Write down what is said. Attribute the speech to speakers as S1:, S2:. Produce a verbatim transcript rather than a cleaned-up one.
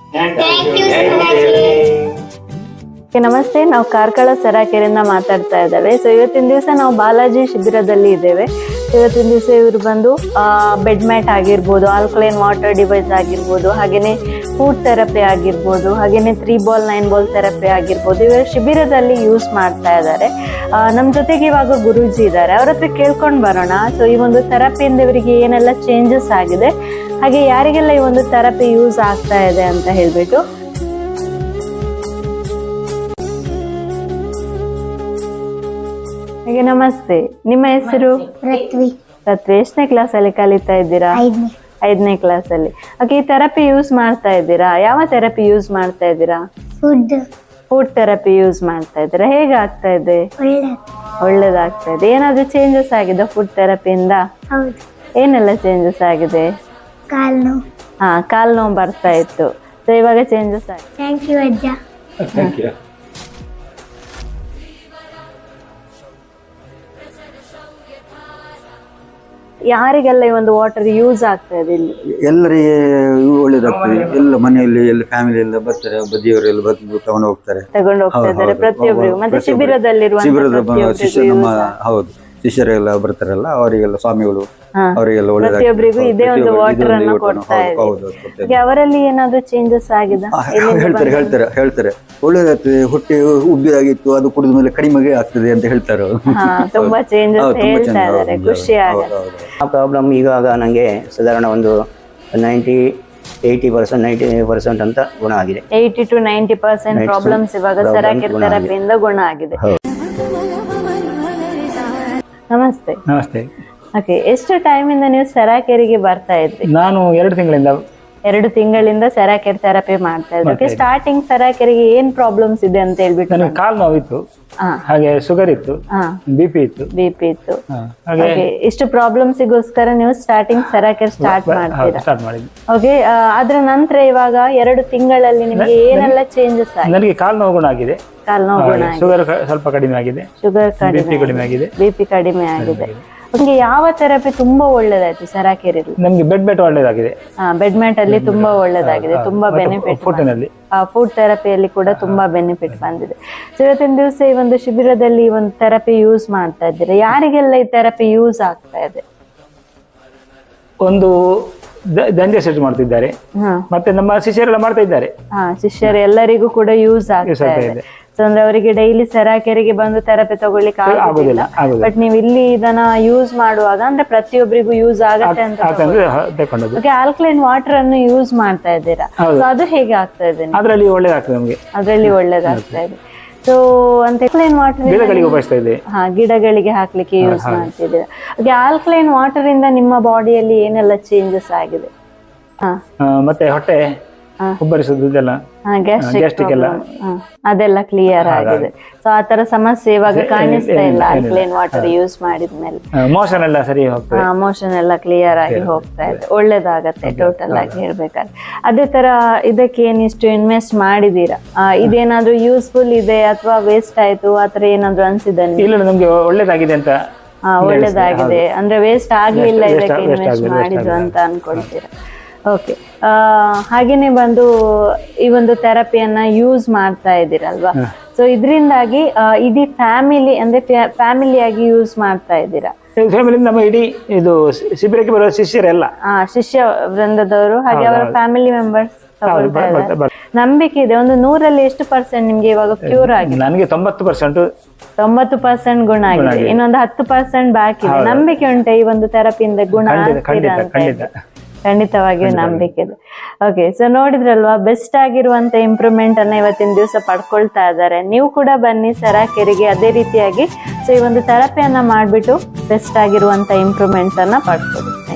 S1: ನಮಸ್ತೆ, ನಾವು ಕಾರ್ಕಳ ಸರಾಕೆರೆಯಿಂದ ಮಾತಾಡ್ತಾ ಇದ್ದೇವೆ. ಸೊ ಇವತ್ತಿನ ದಿವಸ ನಾವು ಬಾಲಾಜಿ ಶಿಬಿರದಲ್ಲಿ ಇದ್ದೇವೆ. ಇವತ್ತಿನ ದಿವಸ ಇವರು ಬಂದು ಬೆಡ್ ಮ್ಯಾಟ್ ಆಗಿರ್ಬೋದು, ಆಲ್ಕಲೈನ್ ವಾಟರ್ ಡಿವೈಸ್ ಆಗಿರ್ಬೋದು, ಹಾಗೇನೆ ಫುಡ್ ಥೆರಪಿ ಆಗಿರ್ಬೋದು, ಹಾಗೇನೆ three ball nine ball therapy ಆಗಿರ್ಬೋದು, ಇವರು ಶಿಬಿರದಲ್ಲಿ ಯೂಸ್ ಮಾಡ್ತಾ ಇದ್ದಾರೆ. ನಮ್ಮ ಜೊತೆಗೆ ಇವಾಗ ಗುರೂಜಿ ಇದ್ದಾರೆ, ಅವ್ರ ಹತ್ರ ಕೇಳ್ಕೊಂಡು ಬರೋಣ. ಸೊ ಈ ಒಂದು ಥೆರಪಿಯಿಂದ ಇವರಿಗೆ ಏನೆಲ್ಲ ಚೇಂಜಸ್ ಆಗಿದೆ, ಹಾಗೆ ಯಾರಿಗೆಲ್ಲ ಈ ಒಂದು ಥೆರಪಿ ಯೂಸ್ ಆಗ್ತಾ ಇದೆ ಅಂತ ಹೇಳ್ಬಿಟ್ಟು. ಹಾಗೆ ನಮಸ್ತೆ, ನಿಮ್ಮ ಹೆಸರು?
S2: ಪೃಥ್ವಿ.
S1: ಪೃಥ್ವಿ, ಎಷ್ಟನೇ ಕ್ಲಾಸ್ ಅಲ್ಲಿ ಕಲಿತಾ ಇದ್ದೀರಾ?
S2: ಐದನೇ.
S1: ಐದನೇ ಕ್ಲಾಸ್ ಅಲ್ಲಿ. ಓಕೆ, ಈ ಥೆರಪಿ ಯೂಸ್ ಮಾಡ್ತಾ ಇದ್ದೀರಾ? ಯಾವ ಥೆರಪಿ ಯೂಸ್ ಮಾಡ್ತಾ ಇದ್ದೀರಾ?
S2: ಫುಡ್.
S1: ಫುಡ್ ಥೆರಪಿ ಯೂಸ್ ಮಾಡ್ತಾ ಇದ್ದೀರಾ. ಹೇಗೆ ಆಗ್ತಾ ಇದೆ?
S2: ಒಳ್ಳೆ.
S1: ಒಳ್ಳೇದಾಗ್ತಾ ಇದೆ. ಏನಾದ್ರು ಚೇಂಜಸ್ ಆಗಿದೆ ಫುಡ್ ಥೆರಪಿಯಿಂದ?
S2: ಹೌದು.
S1: ಏನೆಲ್ಲ ಚೇಂಜಸ್ ಆಗಿದೆ?
S2: ಕಾಲು ನೋವು.
S1: ಹಾ, ಕಾಲು ನೋವು ಬರ್ತಾ ಇತ್ತು. ಸೊ ಇವಾಗ ಚೇಂಜಸ್ ಆಗಿದೆ.
S2: ಥ್ಯಾಂಕ್ ಯು ಅಜ್ಜ.
S3: Thank you.
S1: ಯಾರಿಗೆಲ್ಲ ಈ ಒಂದು ವಾಟರ್ ಯೂಸ್ ಆಗ್ತಾ ಇದೆ ಇಲ್ಲಿ?
S4: ಎಲ್ಲರಿಗೆ ಒಳ್ಳೇದಾಗ್ತದೆ. ಎಲ್ಲ ಮನೆಯಲ್ಲಿ ಎಲ್ಲ ಫ್ಯಾಮಿಲಿ ಎಲ್ಲ ಬರ್ತಾರೆ, ಬದಿಯವರೆಲ್ಲ ಬಂದು ತಗೊಂಡು ಹೋಗ್ತಾರೆ,
S1: ತಗೊಂಡು ಹೋಗ್ತಾ ಇದ್ದಾರೆ ಪ್ರತಿಯೊಬ್ಬರಿಗೂ. ಮತ್ತೆ ಶಿಬಿರದಲ್ಲಿರುವ
S4: ಶಿಬಿರದ ಶಿಷ್ಯ ನಮ್ಮ ಹೌದು ಶಿಷ್ಯರೆಲ್ಲ ಬರ್ತಾರಲ್ಲ, ಅವರಿಗೆಲ್ಲ ಸ್ವಾಮಿಗಳು ಅವರಿಗೆಲ್ಲ
S1: ಪ್ರತಿಯೊಬ್ಬರಿಗೂ ಇದೇ ಒಂದು ವಾಟರ್ ಅನ್ನು ಕೊಡ್ತಾ ಇದೆ. ಅವರಲ್ಲಿ ಏನಾದ್ರು ಚೇಂಜಸ್ ಆಗಿದೆ?
S4: ಹೇಳ್ತಾರೆ ಹೇಳ್ತಾರೆ ಹೇಳ್ತಾರೆ ಒಳ್ಳೇದಾಗ್ತದೆ, ಹೊಟ್ಟೆ ಉಬ್ಬಿದಾಗಿತ್ತು, ಅದು ಕುಡಿದ ಮೇಲೆ ಕಡಿಮೆಗೆ ಆಗ್ತದೆ ಅಂತ ಹೇಳ್ತಾರೆ.
S1: ತುಂಬಾ ಚೇಂಜಸ್ ಹೇಳ್ತಾ ಇದ್ದಾರೆ, ಖುಷಿ ಆಗುತ್ತೆ.
S5: ಆ ಪ್ರಾಬ್ಲಮ್ ಇವಾಗ ನನಗೆ ಸಾಧಾರಣ ಒಂದು ninety eighty percent ninety percent ಅಂತ ಗುಣ ಆಗಿದೆ.
S1: Eighty to ninety percent problems ಇವಾಗ ಸರಾಕೆರೆ ಥೆರಪಿಯಿಂದ ಗುಣ ಆಗಿದೆ. ನಮಸ್ತೆ.
S3: ನಮಸ್ತೆ.
S1: ಓಕೆ, ಎಷ್ಟು ಟೈಮ್ ಇಂದ ನೀವು ಸರಾಕೆರೆಗೆ ಬರ್ತಾ ಇದ್ರಿ?
S3: ನಾನು ಎರಡು ತಿಂಗಳಿಂದ
S1: ಎರಡು ತಿಂಗಳಿಂದ ಸರಾಕೆರೆ ಥೆರಪಿ ಮಾಡ್ತಾ ಇದ್ರಿ. ಓಕೆ, ಸ್ಟಾರ್ಟಿಂಗ್ ಸರಾಕೆರೆಗೆ ಏನ್ ಪ್ರಾಬ್ಲಮ್ಸ್ ಇದೆ ಅಂತ ಹೇಳ್ಬಿಟ್ಟು?
S3: ನನಗೆ ಕಾಲು ನೋವಿತ್ತು, ಹಾಗೆ ಶುಗರ್ ಇತ್ತು, ಬಿಪಿ ಇತ್ತು,
S1: ಬಿಪಿ ಇತ್ತು. ಇಷ್ಟು ಪ್ರಾಬ್ಲಮ್ಸಿಗೋಸ್ಕರ ನೀವು ಸ್ಟಾರ್ಟಿಂಗ್ ಸರಾಕೆರೆ ಸ್ಟಾರ್ಟ್ ಮಾಡ್ತೀರಾ?
S3: ಸ್ಟಾರ್ಟ್ ಮಾಡಿದ್ವಿ.
S1: ಓಕೆ, ಅದ್ರ ನಂತರ ಇವಾಗ ಎರಡು ತಿಂಗಳಲ್ಲಿ ನಿಮಗೆ ಏನೆಲ್ಲ ಚೇಂಜಸ್ ಆಗಿದೆ?
S3: ನನಗೆ ಕಾಲು ನೋವು ಗುಣ ಆಗಿದೆ,
S1: ಕಾಲು ನೋವು ಗುಣ ಆಗಿದೆ,
S3: ಶುಗರ್ ಸ್ವಲ್ಪ ಕಡಿಮೆ ಆಗಿದೆ,
S1: ಶುಗರ್
S3: ಬಿಪಿ ಕಡಿಮೆ ಆಗಿದೆ,
S1: ಬಿಪಿ ಕಡಿಮೆ ಆಗಿದೆ. ನಿಮ್ಗೆ ಯಾವ ಥೆರಪಿ ತುಂಬಾ ಒಳ್ಳೇದಾಯ್ತು ಸರಾಕೆರೆಯಲ್ಲಿ?
S3: ನಮ್ಗೆ ಬೆಡ್ ಮ್ಯಾಟ್ ಒಳ್ಳೇದಾಗಿದೆ.
S1: ಹಾ, ಬೆಡ್ ಮ್ಯಾಟ್ ಅಲ್ಲಿ ತುಂಬಾ ಒಳ್ಳೇದಾಗಿದೆ, ತುಂಬಾ ಬೆನಿಫಿಟ್.
S3: ಫುಡ್ನಲ್ಲಿ
S1: ಫುಡ್ ಥೆರಪಿಯಲ್ಲಿ ಕೂಡ ತುಂಬಾ ಬೆನಿಫಿಟ್ ಬಂದಿದೆ. ಸೊ ಇವತ್ತಿನ ದಿವಸ ಈ ಒಂದು ಶಿಬಿರದಲ್ಲಿ ಈ ಒಂದು ಥೆರಪಿ ಯೂಸ್ ಮಾಡ್ತಾ ಇದ್ದೀರಾ. ಯಾರಿಗೆಲ್ಲ ಈ ಥೆರಪಿ ಯೂಸ್ ಆಗ್ತಾ ಇದೆ?
S3: ಒಂದು ದಂಜೆ ಸೆಟ್ ಮಾಡ್ತಿದ್ದಾರೆ, ಮತ್ತೆ ನಮ್ಮ ಶಿಷ್ಯರೆಲ್ಲ ಮಾಡ್ತಾ ಇದ್ದಾರೆ.
S1: ಹಾ, ಶಿಷ್ಯರು ಎಲ್ಲರಿಗೂ ಕೂಡ ಯೂಸ್ ಆಗ್ತಾ ಇದೆ. ಸೊ ಅಂದ್ರೆ ಅವರಿಗೆ ಡೈಲಿ ಸರಾಕೆರೆಗೆ ಬಂದು ಥೆರಪಿ ತಗೊಳ್ಳಿಕ್ಕೆ ಆಗುದಿಲ್ಲ, ಬಟ್ ನೀವು ಇಲ್ಲಿ ಇದನ್ನ ಯೂಸ್ ಮಾಡುವಾಗ ಅಂದ್ರೆ ಪ್ರತಿಯೊಬ್ಬರಿಗೂ ಯೂಸ್ ಆಗತ್ತೆ ಅಂತ ತಗೊಂಡು ಆಲ್ಕಲೈನ್ ವಾಟರ್ ಅನ್ನು ಯೂಸ್ ಮಾಡ್ತಾ ಇದ್ದೀರಾ. ಸೊ ಅದು ಹೇಗೆ ಆಗ್ತಾ ಇದೆ?
S3: ಅದರಲ್ಲಿ ಒಳ್ಳೇದಾಗ್ತದೆ ನಮಗೆ,
S1: ಅದರಲ್ಲಿ ಒಳ್ಳೇದಾಗ್ತಾ ಇದೆ. ಸೊ ಅಂತ ಆಲ್ಕಲೈನ್ ವಾಟರ್
S3: ಗಿಡಗಳಿಗೆ ಉಪಯೋಗಿಸ್ತಾ ಇದೆ.
S1: ಹಾ, ಗಿಡಗಳಿಗೆ ಹಾಕ್ಲಿಕ್ಕೆ ಯೂಸ್ ಮಾಡ್ತಿದ್ದೀರಾ. ಹಾಗೆ ಆಲ್ಕಲೈನ್ ವಾಟರ್ ಇಂದ ನಿಮ್ಮ ಬಾಡಿಯಲ್ಲಿ ಏನೆಲ್ಲ ಚೇಂಜಸ್ ಆಗಿದೆ? ಹಾ,
S3: ಮತ್ತೆ ಹೊಟ್ಟೆ ಉಬ್ಬರಿಸುದು ಇದೆಲ್ಲ, ಗ್ಯಾಸ್ಟ್ರಿಕ್ ಎಲ್ಲ
S1: ಅದೆಲ್ಲ ಕ್ಲಿಯರ್ ಆಗಿದೆ. ಸೊ ಆ ತರ ಸಮಸ್ಯೆ ಇವಾಗ ಕಾಣಿಸ್ತಾ ಇಲ್ಲ ಆಲ್ಕಲೈನ್ ವಾಟರ್ ಯೂಸ್ ಮಾಡಿದ್ಮೇಲೆ.
S3: ಮೋಷನ್ ಎಲ್ಲ ಸರಿ ಹೋಗ್ತದೆ,
S1: ಮೋಷನ್ ಎಲ್ಲ ಕ್ಲಿಯರ್ ಆಗಿ ಹೋಗ್ತಾ ಇದೆ, ಒಳ್ಳೇದಾಗತ್ತೆ ಟೋಟಲ್ ಆಗಿ ಹೇಳ್ಬೇಕಾದ್ರೆ. ಅದೇ ತರ ಇದಕ್ಕೆ ಏನಿಷ್ಟು ಇನ್ವೆಸ್ಟ್ ಮಾಡಿದೀರಾ? ಇದೇನಾದ್ರೂ ಯೂಸ್ಫುಲ್ ಇದೆ ಅಥವಾ ವೇಸ್ಟ್ ಆಯ್ತು ಆತರ ಏನಾದ್ರು ಅನ್ಸಿದೆ?
S3: ಇಲ್ಲ, ನಮ್ಗೆ ಒಳ್ಳೇದಾಗಿದೆ ಅಂತ.
S1: ಹಾ, ಒಳ್ಳೇದಾಗಿದೆ ಅಂದ್ರೆ ವೇಸ್ಟ್ ಆಗ್ಲಿಲ್ಲ ಇದಕ್ಕೆ ಇನ್ವೆಸ್ಟ್ ಮಾಡಿದ್ರು ಅಂತ ಅನ್ಕೊಳ್ತೀರಾ? ಓಕೆ, ಹಾಗೇನೆ ಬಂದು ಈ ಒಂದು ಥೆರಪಿಯನ್ನ ಯೂಸ್ ಮಾಡ್ತಾ ಇದ್ದೀರಲ್ವಾ? ಸೊ ಇದರಿಂದಾಗಿ ಇಡೀ ಫ್ಯಾಮಿಲಿ ಅಂದ್ರೆ ಫ್ಯಾಮಿಲಿಯಾಗಿ ಯೂಸ್ ಮಾಡ್ತಾ ಇದ್ದೀರಾ?
S3: ಫ್ಯಾಮಿಲಿ ನಮ್ಮ ಇಡೀ ಇದು ಶಿಬಿರಕ್ಕೆ ಬರುವ ಶಿಷ್ಯರೆಲ್ಲ,
S1: ಶಿಷ್ಯ ವೃಂದದವರು ಹಾಗೆ ಅವರ ಫ್ಯಾಮಿಲಿ ಮೆಂಬರ್ಸ್ ತಗೊಳ್ತಾ ಇದ್ದಾರೆ. ನಂಬಿಕೆ ಇದೆ. ಒಂದು ನೂರಲ್ಲಿ ಎಷ್ಟು ಪರ್ಸೆಂಟ್ ನಿಮ್ಗೆ ಇವಾಗ ಕ್ಯೂರ್ ಆಗಿದೆ?
S3: ನನಗೆ ತೊಂಬತ್ತು ಪರ್ಸೆಂಟ್
S1: ತೊಂಬತ್ತು ಪರ್ಸೆಂಟ್ ಗುಣ ಆಗಿದೆ, ಇನ್ನೊಂದು ಹತ್ತು ಪರ್ಸೆಂಟ್ ಬಾಕಿ ಇದೆ. ನಂಬಿಕೆ ಉಂಟು ಈ ಒಂದು ಥೆರಪಿಯಿಂದ ಗುಣ ಆಗ್ತೀರಾ ಅಂತ? ಖಂಡಿತವಾಗಿಯೂ ನಂಬಿಕೆ ಇದೆ. ಓಕೆ, ಸೊ ನೋಡಿದ್ರಲ್ವಾ, ಬೆಸ್ಟ್ ಆಗಿರುವಂತ ಇಂಪ್ರೂವ್ಮೆಂಟ್ ಅನ್ನ ಇವತ್ತಿನ ದಿವಸ ಪಡ್ಕೊಳ್ತಾ ಇದ್ದಾರೆ. ನೀವು ಕೂಡ ಬನ್ನಿ ಸರಾಕೆರೆಗೆ ಅದೇ ರೀತಿಯಾಗಿ ಸೊ ಈ ಒಂದು ಥೆರಪಿಯನ್ನ ಮಾಡ್ಬಿಟ್ಟು ಬೆಸ್ಟ್ ಆಗಿರುವಂತ ಇಂಪ್ರೂವ್ಮೆಂಟ್ಸ್ ಅನ್ನ ಪಡ್ಕೊಳ್ಳಿ.